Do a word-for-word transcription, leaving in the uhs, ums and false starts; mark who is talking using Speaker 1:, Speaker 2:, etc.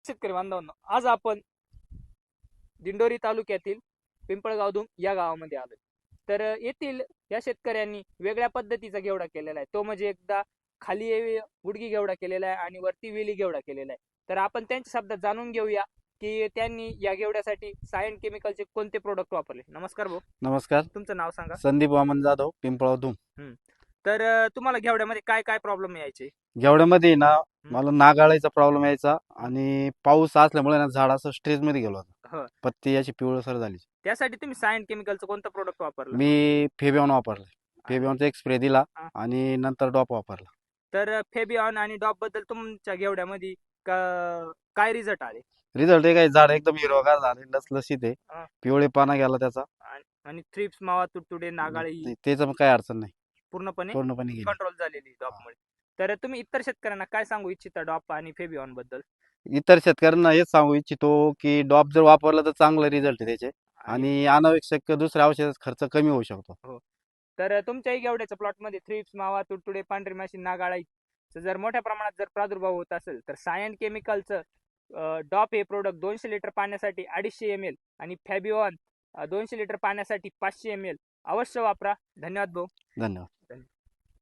Speaker 1: शेतकरी बांधवांनो, आज आपण दिंडोरी तालुक्यातील पिंपळगावधुम या गावामध्ये आलोय. तर येथील या शेतकऱ्यांनी वेगळ्या पद्धतीचा घेवडा केलेला आहे. तो म्हणजे एकदा खाली गुडगी घेवडा केलेला आहे आणि वरती वेली घेवडा केलेला आहे. तर आपण त्यांच्या शब्दात जाणून घेऊया की त्यांनी या घेवड्यासाठी सायन केमिकलचे कोणते प्रोडक्ट वापरले. नमस्कार भाऊ.
Speaker 2: नमस्कार.
Speaker 1: तुमचं नाव सांगा.
Speaker 2: संदीप वामन जाधव, पिंपळावधूम.
Speaker 1: तर तुम्हाला घेवड्यामध्ये काय काय प्रॉब्लेम यायचे?
Speaker 2: घेवड्यामध्ये ना मला नागाळाचा प्रॉब्लेम यायचा आणि पाऊस असल्यामुळे ना झाड असं स्ट्रेस मध्ये गेलो होता. पत्ती याची पिवळसर झाली.
Speaker 1: त्यासाठी तुम्ही सायन केमिकलचं कोणतं प्रोडक्ट वापरलं?
Speaker 2: मी फेबियॉन वापरलं. फेबियॉनचा एक स्प्रे दिला आणि नंतर डॉप वापरला.
Speaker 1: तर फेबियॉन आणि डॉप बद्दल तुमच्या घेवड्यामध्ये काय रिझल्ट आले?
Speaker 2: रिझल्ट हे काय, झाड एकदम हिरवगार झाले, लसलसीत आहे, पिवळेपणा गेला त्याचा
Speaker 1: आणि थ्रिप्स, मावा, तुडतुडे, नागाळी
Speaker 2: त्याचं पण काही अडचण नाही,
Speaker 1: पूर्णपणे
Speaker 2: पूर्णपणे
Speaker 1: कंट्रोल झालेली डॉपमुळे. तर तुम्ही इतर शेतकऱ्यांना काय सांगू इच्छिता डॉप आणि फेबियॉन बद्दल?
Speaker 2: इतर शेतकऱ्यांना हेच सांगू इच्छितो की डॉप जर वापरलं तर चांगलं रिझल्ट आहे त्याचे आणि अनावश्यक दुसऱ्या औषधाचा खर्च कमी होऊ शकतो.
Speaker 1: हो. तर तुमच्याही घेवड्याच्या प्लॉटमध्ये थ्रिप्स, मावा, तुडतुडे, पांढरी माशी, नागाळी जर मोठ्या प्रमाणात जर प्रादुर्भाव होत असेल तर सायन केमिकलचं डॉप हे प्रोडक्ट दोनशे लिटर पाण्यासाठी अडीचशे एम एल आणि फॅबियॉन दोनशे लिटर पाण्यासाठी पाचशे एम एल अवश्य वापरा. धन्यवाद भाऊ.
Speaker 2: धन्यवाद.